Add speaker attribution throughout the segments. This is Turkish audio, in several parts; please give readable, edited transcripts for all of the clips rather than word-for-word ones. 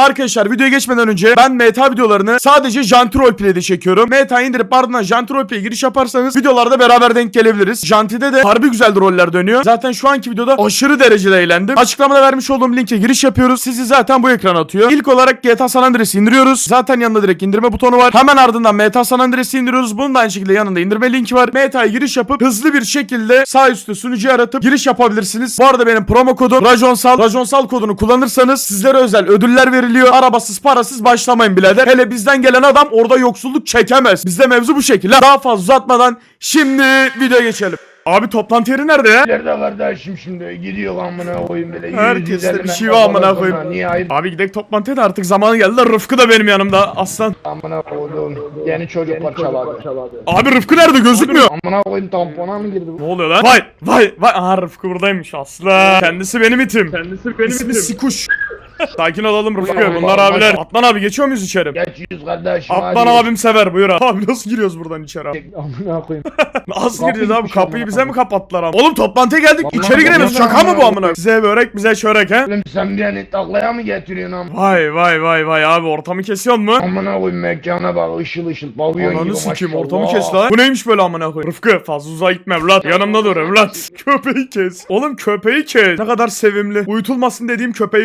Speaker 1: Arkadaşlar videoya geçmeden önce ben meta videolarını sadece Janti Roleplay'de çekiyorum. Meta indirip ardından Janti Roleplay'e giriş yaparsanız videolarda beraber denk gelebiliriz. Janti'de de harbi güzel roller dönüyor. Zaten şu anki videoda aşırı derecede eğlendim. Açıklamada vermiş olduğum linke giriş yapıyoruz. Sizi zaten bu ekran atıyor. İlk olarak GTA San Andreas'ı indiriyoruz. Zaten yanında direkt indirme butonu var. Hemen ardından Meta San Andreas'ı indiriyoruz. Bunun da aynı şekilde yanında indirme linki var. Meta'ya giriş yapıp hızlı bir şekilde sağ üstte sunucuyu aratıp giriş yapabilirsiniz. Bu arada benim promo kodum Rajonsal. Rajonsal kodunu kullanırsanız sizlere özel ödüller veriliyor. Arabasız parasız başlamayın birader. Hele bizden gelen adam orada yoksulluk çekemez. Bizde mevzu bu şekilde. Daha fazla uzatmadan şimdi videoya geçelim. Abi toplantı yeri nerede ya?
Speaker 2: Nerede kardeşim şimdi gidiyor amına koyayım böyle.
Speaker 1: Herkeste bir şey var amına koyayım.
Speaker 2: Niye hayır?
Speaker 1: Abi gidelim toplantıya da artık zamanı geldi de Rıfkı da benim yanımda aslan.
Speaker 2: Amına koydum. Yeni çocuk parçaladı.
Speaker 1: Abi Rıfkı nerede gözükmüyor?
Speaker 2: Amına koyayım tampona mı girdi bu?
Speaker 1: Ne oluyor lan? Vay. Aha Rıfkı buradaymış aslan. Kendisi benim itim. İsmi Sikuş. Sakin olalım Rıfkı. Bunlar abiler. Atlan abi geçiyor muyuz içeri?
Speaker 2: Geçiyoruz kardeşim
Speaker 1: Atlan abim sever buyur abi. Abi nasıl giriyoruz buradan içeri abi?
Speaker 2: Amına koyayım.
Speaker 1: Nasıl gireceğiz abi?
Speaker 2: Kapıymış
Speaker 1: Kapıyı
Speaker 2: amına
Speaker 1: bize mi kapattılar abi? Oğlum toplantıya geldik.
Speaker 2: Vallahi
Speaker 1: İçeri giremiyoruz.
Speaker 2: vallahi
Speaker 1: Şaka mı bu
Speaker 2: amına
Speaker 1: amına? Size börek bize çörek he?
Speaker 2: Oğlum sen beni taklaya mı getiriyorsun am?
Speaker 1: Vay abi ortamı kesiyor mu?
Speaker 2: Amına koyayım mekana bak ışıl pavyon gibi
Speaker 1: Ananı sikeyim
Speaker 2: maşallah.
Speaker 1: ortamı kes lan. Bu neymiş böyle amına koyayım? Rıfkı fazla uzağa gitme evlat. Yanımda dur evlat. Köpeği kes. Oğlum köpeği kes. Ne kadar sevimli. Uyutulmasın dediğim köpeğim.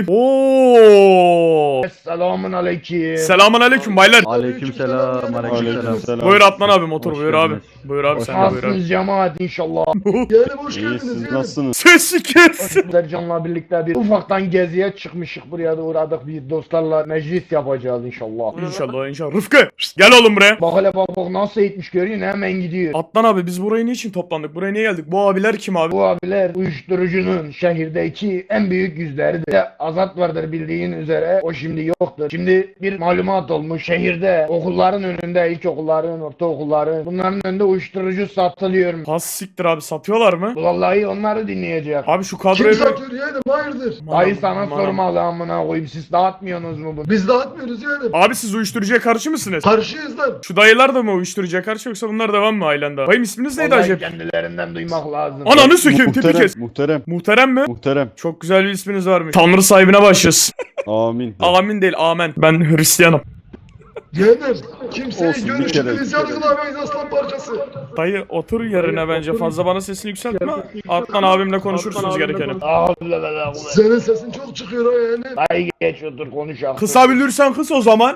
Speaker 1: Oo.
Speaker 2: Selamun aleyküm.
Speaker 1: Selamun aleyküm baylar.
Speaker 3: Aleykümselam.
Speaker 1: Buyur Atlan abi motor
Speaker 3: Hoş
Speaker 1: buyur abi.
Speaker 3: geldiniz.
Speaker 1: Buyur abi sen de buyur abi.
Speaker 2: Nasılsınız cemaat inşallah.
Speaker 4: Yani hoş
Speaker 3: İyi
Speaker 4: geldiniz.
Speaker 3: siz
Speaker 4: yani.
Speaker 3: nasılsınız?
Speaker 1: Sesi kes.
Speaker 2: Sercan'la birlikte bir ufaktan geziye çıkmışık, buraya da uğradık, bir dostlarla meclis yapacağız inşallah.
Speaker 1: İnşallah. Rıfkı şşt, gel oğlum buraya.
Speaker 2: Bak hele bak nasıl eğitmiş görüyorsun, hemen gidiyor.
Speaker 1: Atlan abi biz buraya niçin toplandık? Buraya niye geldik? Bu abiler kim abi?
Speaker 2: Bu abiler uyuşturucunun şehirdeki en büyük yüzleridir. Azat vardır bildiğin üzere, o şimdi yoktur. Şimdi bir malumat olmuş, şehirde okulların önünde, ilkokulların, ortaokulların, bunların önünde uyuşturucu satılıyor.
Speaker 1: Pas siktir abi satıyorlar mı?
Speaker 2: Vallahi onları dinleyecek.
Speaker 1: Abi şu
Speaker 4: Kim
Speaker 1: kadroyu...
Speaker 4: satıyor yani? Hayırdır?
Speaker 2: Dayı sana
Speaker 1: Aman.
Speaker 2: sormalı amına koyayım, siz dağıtmıyorsunuz mu bunu?
Speaker 4: Biz dağıtmıyoruz yani.
Speaker 1: Abi siz uyuşturucuya karşı mısınız?
Speaker 4: Karşıyız lan.
Speaker 1: Şu dayılar da mı uyuşturucuya karşı yoksa bunlar devam mı ailende? Bayım isminiz neydi
Speaker 2: Vallahi
Speaker 1: acaba?
Speaker 2: kendilerinden duymak lazım.
Speaker 1: Ananı sökeyim tipi kes.
Speaker 3: Muhterem.
Speaker 1: Muhterem mi? Çok güzel bir isminiz varmış. Tanrı sahibine başlasın.
Speaker 3: Amin.
Speaker 1: Amin değil amen. Ben Hristiyanım.
Speaker 4: Yeğenim. Kimseyi
Speaker 3: Olsun, bir
Speaker 4: görüşünü
Speaker 3: kere.
Speaker 4: biz yargılamayız aslan parçası.
Speaker 1: Dayı otur yerine bence fazla bana sesini yükseltme. Atlan abimle konuşursunuz gerekeni.
Speaker 4: Senin sesin çok çıkıyor ha yani.
Speaker 2: Dayı geç otur konuşalım.
Speaker 1: Kısabilirsen kıs o zaman.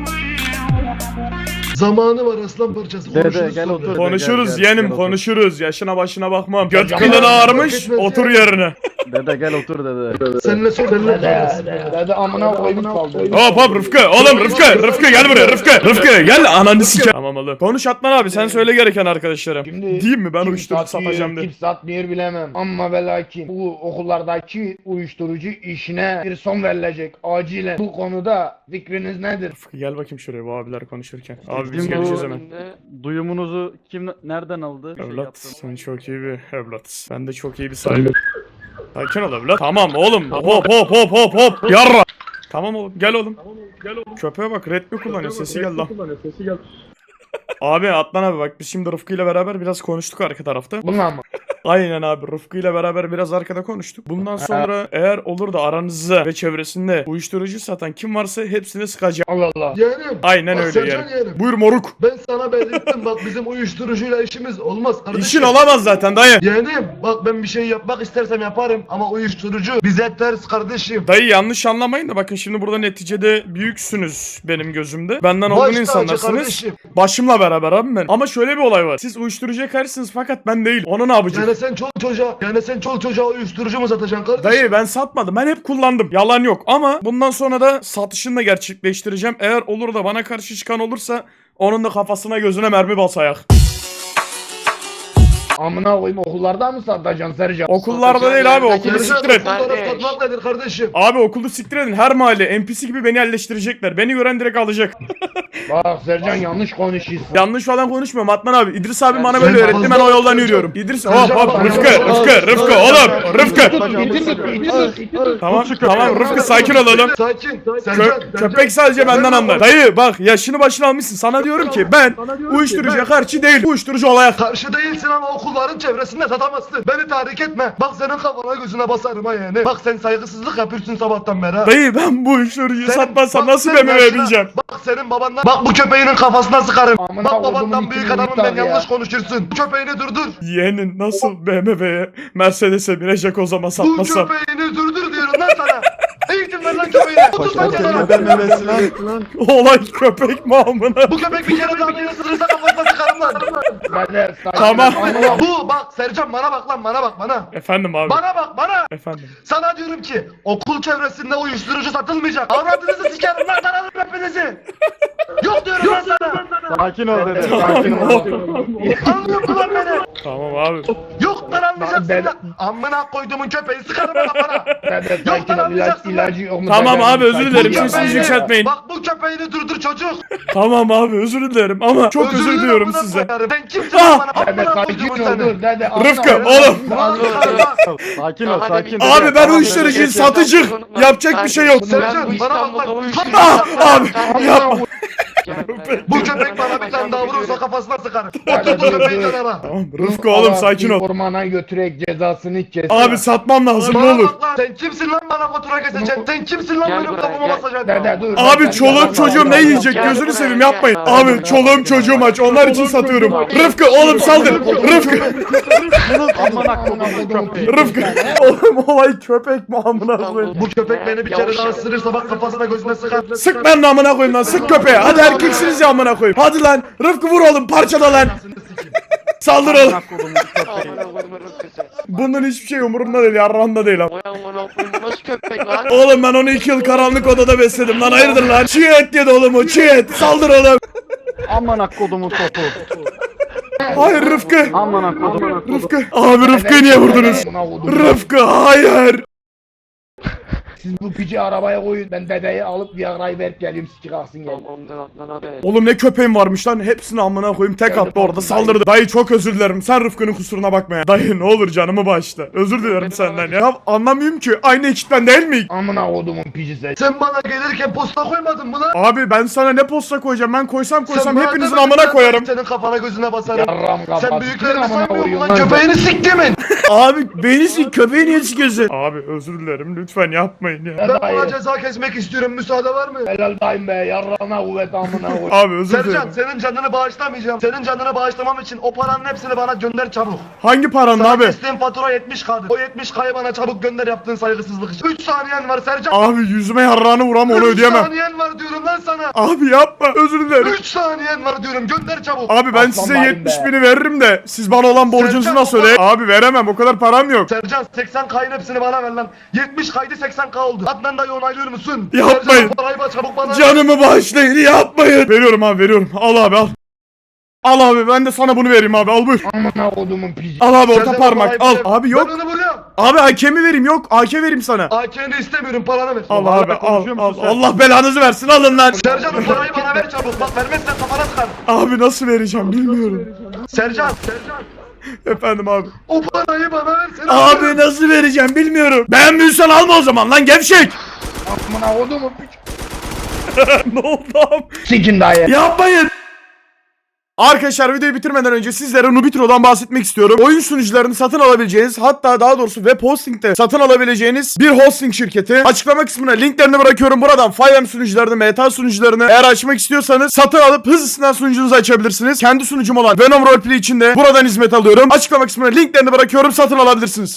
Speaker 4: Zamanı var aslan parçası.
Speaker 3: Dede,
Speaker 4: Konuşuruz
Speaker 3: gel
Speaker 4: sonra.
Speaker 3: otur.
Speaker 1: Konuşuruz
Speaker 3: Gel,
Speaker 1: yeğenim
Speaker 3: otur.
Speaker 1: konuşuruz. Yaşına başına bakmam. Göt
Speaker 2: Hocam,
Speaker 1: kılın
Speaker 2: ya,
Speaker 1: ağarmış.
Speaker 4: fark etmez
Speaker 1: Otur
Speaker 4: ya.
Speaker 1: yerine.
Speaker 3: Dede gel otur dede.
Speaker 4: Seninle seninle konuşuruz.
Speaker 2: Dede amına koyayım kaldı.
Speaker 1: Hop Rıfkı oğlum Rıfkı gel buraya Rıfkı gel ananı siker. Tamam oğlum. Konuş Atlan abi sen söyle gereken arkadaşlarım.
Speaker 2: Şimdi
Speaker 1: Diyeyim mi ben
Speaker 2: kim
Speaker 1: uyuşturucu
Speaker 2: satıyor,
Speaker 1: satacağım diye.
Speaker 2: kim satmıyor bilemem. Ama ve lakin bu okullardaki uyuşturucu işine bir son verilecek acilen. Bu konuda fikriniz nedir?
Speaker 1: Rıfkı gel bakayım şuraya bu abiler konuşurken. Abi biz
Speaker 3: Bizim
Speaker 1: geleceğiz
Speaker 3: bu
Speaker 1: hemen.
Speaker 3: duyumunuzu kim nereden aldı?
Speaker 1: Evlat sen çok iyi bir evlat. Ben de çok iyi bir sahibim. Sakin ol evlat. Tamam oğlum. Hop. Yarra. Tamam oğlum gel oğlum. Köpeğe bak red mi kullanıyor sesi gel lan. Abi Atlan abi bak biz şimdi Rıfkı ile beraber biraz konuştuk arka tarafta.
Speaker 2: Bunlar mı?
Speaker 1: Aynen abi Rıfkı ile beraber biraz arkada konuştuk. Bundan sonra eğer olur da aranızda ve çevresinde uyuşturucu satan kim varsa hepsini sıkacağım.
Speaker 2: Allah Allah.
Speaker 4: Yeğenim.
Speaker 1: Aynen
Speaker 4: bak
Speaker 1: öyle
Speaker 4: Sercan
Speaker 1: yani.
Speaker 4: yeğenim.
Speaker 1: Buyur moruk.
Speaker 4: Ben sana belirttim bak bizim uyuşturucuyla işimiz olmaz kardeşim.
Speaker 1: İşin olamaz zaten dayı.
Speaker 4: Yeğenim bak ben bir şey yapmak istersem yaparım ama uyuşturucu bize ters kardeşim.
Speaker 1: Dayı yanlış anlamayın da bakın şimdi burada neticede büyüksünüz benim gözümde. Benden
Speaker 4: Baş
Speaker 1: olgun
Speaker 4: tacı
Speaker 1: insanlarsınız.
Speaker 4: kardeşim.
Speaker 1: Başımla beraber abi ben. Ama şöyle bir olay var. Siz uyuşturucuya karşısınız fakat ben değil. Onu ne yapacağım?
Speaker 4: Yani sen çol çocuğa uyuşturucu mu satacaksın kardeşim?
Speaker 1: Dayı ben satmadım. Ben hep kullandım. Yalan yok. Ama bundan sonra da satışını da gerçekleştireceğim. Eğer olur da bana karşı çıkan olursa onun da kafasına gözüne mermi basayak.
Speaker 2: Amına koyayım okullarda mı satacaksın Sercan?
Speaker 1: Okullarda değil abi. Okulu
Speaker 4: Sercan,
Speaker 1: siktir et.
Speaker 4: okullara satmak nedir kardeşim?
Speaker 1: Abi okulu siktir edin. Her mahalle NPC gibi beni yerleştirecekler. Beni gören direkt alacak.
Speaker 2: Bak Sercan yanlış konuşuyorsun.
Speaker 1: Yanlış falan konuşmuyorum Atman abi. İdris abi bana
Speaker 4: sen
Speaker 1: böyle öğretti. Ben o
Speaker 4: fazla-
Speaker 1: yoldan yürüyorum. İdris hop
Speaker 4: Sercan,
Speaker 1: hop
Speaker 4: bak-
Speaker 1: Rıfkı oğlum Rıfkı.
Speaker 2: Rıfkı.
Speaker 1: Tamam Rıfkı sakin olalım.
Speaker 4: Sakin. Sercan.
Speaker 1: Köpek sadece benden anlar. Dayı bak yaşını başına almışsın. Sana diyorum ki ben uyuşturucuya karşı değil. Uyuşturucu olaya.
Speaker 4: Karşı değilsin ama okulların çevresinde satamazsın. Beni tahrik etme. Bak senin kafana gözüne basarım ha yani. Bak sen saygısızlık yapıyorsun sabahtan beri ha.
Speaker 1: Dayı ben bu uyuşturucuyu
Speaker 4: Senin-
Speaker 1: satmazsam
Speaker 4: bak
Speaker 1: nasıl
Speaker 4: senin
Speaker 1: BMW
Speaker 4: yaşına-
Speaker 1: bineceğim?
Speaker 4: Bak senin babandan. Bak bu köpeğinin kafasına sıkarım.
Speaker 2: Amına
Speaker 4: Bak
Speaker 2: kodumun
Speaker 4: babandan büyük
Speaker 2: içini
Speaker 4: adamım ben
Speaker 2: yırtar ya.
Speaker 4: yanlış konuşursun. Bu köpeğini durdur.
Speaker 1: Yeğenin nasıl BMW'ye Mercedes'e binecek o zaman
Speaker 4: Bu
Speaker 1: satmasam?
Speaker 4: köpeğini durdur diyorum lan sana. Eğitim ver lan köpeğine. Otur lan kenara.
Speaker 1: Olay köpek mi amına?
Speaker 4: Bu köpek bir kere daha beni ısırırsa kafasına sıkarım lan.
Speaker 2: Beyler, sakin.
Speaker 1: Tamam.
Speaker 2: Amına-
Speaker 4: Bu bak Sercan bana bak lan bana bak bana.
Speaker 1: Efendim abi.
Speaker 4: Bana bak bana.
Speaker 1: Efendim.
Speaker 4: Sana diyorum ki okul çevresinde uyuşturucu satılmayacak. Avradınızı sikerim lan sana hepinizi. Yok diyorum lan sana.
Speaker 3: Sakin ol dede.
Speaker 2: Sakin ol.
Speaker 4: Anlıyor musun lan beni?
Speaker 1: Tamam abi.
Speaker 4: Yok lan anlayacaksın
Speaker 2: Ben-
Speaker 4: lan. Amına koyduğumun köpeği sıkarım ben kafana.
Speaker 2: Dede
Speaker 4: Yok
Speaker 2: sakin
Speaker 4: lan
Speaker 2: ol.
Speaker 4: anlayacaksın lan.
Speaker 2: İlacı yok mu?
Speaker 1: Tamam
Speaker 2: Dede,
Speaker 1: abi, özür
Speaker 2: sakin
Speaker 1: dilerim.
Speaker 2: ol.
Speaker 1: Sesinizi
Speaker 4: Köpeğini-
Speaker 1: yükseltmeyin.
Speaker 4: Bak bu köpeğini durdur çocuk.
Speaker 1: Tamam abi özür dilerim ama çok özür
Speaker 4: dilerim
Speaker 1: diliyorum
Speaker 4: amına
Speaker 1: size.
Speaker 4: koyarım. Sen kimsin
Speaker 1: Ah!
Speaker 4: lan bana?
Speaker 2: Dede
Speaker 4: Amına
Speaker 2: sakin
Speaker 4: koyduğumun
Speaker 2: ol
Speaker 4: seni.
Speaker 2: dur dede.
Speaker 1: Rıfkı,
Speaker 2: amına-
Speaker 1: oğlum.
Speaker 4: Lan lan.
Speaker 3: Sakin ol sakin.
Speaker 1: Abi ben uyuşturucuyum satıcı. Yapacak bir şey yok.
Speaker 4: Sercan bana bak lan.
Speaker 1: Ah abi yapma.
Speaker 4: Bu köpek bana bir tane daha vurursa kafasına sıkarım.
Speaker 2: Hadi
Speaker 4: Otur bu
Speaker 2: dur,
Speaker 4: köpeği
Speaker 2: dur.
Speaker 4: kenara.
Speaker 1: Tamam Rıfkı oğlum sakin ol.
Speaker 2: Ormana götürek cezasını kes.
Speaker 1: Abi satmam lazım ne
Speaker 4: Bana
Speaker 1: olur.
Speaker 4: bak lan. Sen kimsin lan bana fatura keseceksin? Sen kimsin lan benim kafama basacaksın?
Speaker 2: Dede dur.
Speaker 1: Abi
Speaker 2: Dede,
Speaker 1: çoluğum
Speaker 2: dede,
Speaker 1: çocuğum ne
Speaker 2: dede.
Speaker 1: yiyecek gözünü seveyim yapmayın. Abi çoluğum çocuğum aç onlar için satıyorum. Rıfkı oğlum saldır. Rıfkı.
Speaker 3: Amına kodumun köpeği.
Speaker 1: Rıfkı. Oğlum olay köpek mi amına koyayım.
Speaker 4: Bu köpek beni bir kere daha ısırırsa bak kafasına gözüne sıkar.
Speaker 1: Sık ben de amına koyayım lan sık köpeğe. Hadi erkeksiniz ya amına koyayım. Hadi lan Rıfkı vur oğlum parçala lan. Saldır oğlum.
Speaker 3: Amına kodumun köpeği.
Speaker 1: Bunun hiçbir şey umurumda değil yarrağımda değil ama.
Speaker 5: Nasıl köpek lan?
Speaker 1: Oğlum ben onu 2 yıl karanlık odada besledim lan hayırdır lan. Çiğ et yedi oğlum o çiğ et. Saldır oğlum.
Speaker 3: Amına kodumun topu.
Speaker 1: Hayır Rıfkı.
Speaker 3: Amına kodumun.
Speaker 1: Rıfkı. Abi Rıfkı'yı niye vurdunuz?
Speaker 2: Amına kodum.
Speaker 1: Rıfkı hayır.
Speaker 2: Siz bu pici arabaya koyun. Ben dedeyi alıp Viagra'yı verip geliyorum sikik alsın gel.
Speaker 5: Ondan atlan abi.
Speaker 1: Oğlum ne köpeğim varmış lan. Hepsini amına koyayım tek attı orada saldırdı. Dayı çok özür dilerim. Sen Rıfkı'nın kusuruna bakma ya. Dayı ne olur canımı bağışla. Özür dilerim senden ya. Ya anlamıyorum ki. Aynı ekipten değil miyik?
Speaker 2: Amına kodumun pici sen.
Speaker 4: Sen bana gelirken posta koymadın mı lan?
Speaker 1: Abi ben sana ne posta koyacağım? Ben koysam
Speaker 4: Sen bana
Speaker 1: hepinizin
Speaker 4: demedin
Speaker 1: amına
Speaker 4: lan,
Speaker 1: koyarım.
Speaker 4: Senin kafana gözüne basarım.
Speaker 2: Yarram kapat.
Speaker 4: Sen büyüklerini
Speaker 2: Amına
Speaker 4: saymıyor musun lan?
Speaker 2: koyuyorum
Speaker 4: Köpeğini siktimin.
Speaker 1: Abi beni sik köpeği niye sikiyorsun? Abi özür dilerim lütfen yapmayın ya.
Speaker 4: Ben
Speaker 2: Dayı.
Speaker 4: buna ceza kesmek istiyorum. Müsaade var mı?
Speaker 2: Helal dayım be. Yarrağına kuvvet amına koy.
Speaker 1: Abi özür
Speaker 4: Sercan
Speaker 1: dilerim.
Speaker 4: senin canını bağışlamayacağım. Senin canını bağışlamam için o paranın hepsini bana gönder çabuk.
Speaker 1: Hangi paran
Speaker 4: Sana
Speaker 1: abi?
Speaker 4: kestiğim fatura 70K'dı. O 70K'yı bana çabuk gönder yaptığın saygısızlık için. 3 saniyen var Sercan.
Speaker 1: Abi yüzüme yarrağını vuram onu
Speaker 4: 3
Speaker 1: ödeyemem.
Speaker 4: saniyen var diyorum lan sana.
Speaker 1: Abi yapma özür dilerim.
Speaker 4: 3 saniyen var diyorum gönder çabuk.
Speaker 1: Abi ben
Speaker 2: Aslan
Speaker 1: size
Speaker 2: bayım
Speaker 1: 70
Speaker 2: be.
Speaker 1: bini veririm de siz bana olan borcunuzu
Speaker 4: Sercan,
Speaker 1: nasıl ödeyin? Abi veremem o kadar param yok.
Speaker 4: Sercan 80K'nın hepsini bana ver lan. 70K'ydı 80K oldu. Adnan dayı onaylıyor musun?
Speaker 1: Yapmayın.
Speaker 4: Sercan o parayı bana çabuk bana ver.
Speaker 1: Canımı bağışlayın yapmayın. Veriyorum abi veriyorum. Al abi al. Al abi ben de sana bunu vereyim abi al buyur.
Speaker 2: Amına kodumun pici.
Speaker 1: Al abi orta
Speaker 4: Sercan, o
Speaker 1: parmak
Speaker 4: parayı
Speaker 1: al.
Speaker 4: ver.
Speaker 1: Abi yok.
Speaker 4: Ben onu vuruyorum.
Speaker 1: Abi hakemi vereyim yok. AK vereyim sana.
Speaker 4: AK'ni istemiyorum paranı ver.
Speaker 1: Al
Speaker 3: Hala
Speaker 1: abi al
Speaker 3: konuşuyor
Speaker 1: al.
Speaker 3: musun sen?
Speaker 1: Allah belanızı versin alın lan.
Speaker 4: Sercan o parayı bana ver çabuk. Bak vermezsen kafana sıkarım.
Speaker 1: Abi nasıl vereceğim bilmiyorum.
Speaker 4: Sercan
Speaker 1: Efendim abi.
Speaker 4: o parayı bana ver. Seni
Speaker 1: Abi nasıl vereceğim bilmiyorum. Beğenmiyorsan alma o zaman lan gevşek.
Speaker 2: Amına kodumun pici.
Speaker 1: Ne oldu abi?
Speaker 2: Sikin dayı.
Speaker 1: Yapmayın. Arkadaşlar videoyu bitirmeden önce sizlere Nubitro'dan bahsetmek istiyorum. Oyun sunucularını satın alabileceğiniz hatta daha doğrusu web hosting'de satın alabileceğiniz bir hosting şirketi. Açıklama kısmına linklerini bırakıyorum. Buradan FiveM sunucularını, Meta sunucularını eğer açmak istiyorsanız satın alıp hızlısından sunucunuzu açabilirsiniz. Kendi sunucum olan Venom Roleplay için de buradan hizmet alıyorum. Açıklama kısmına linklerini bırakıyorum. Satın alabilirsiniz.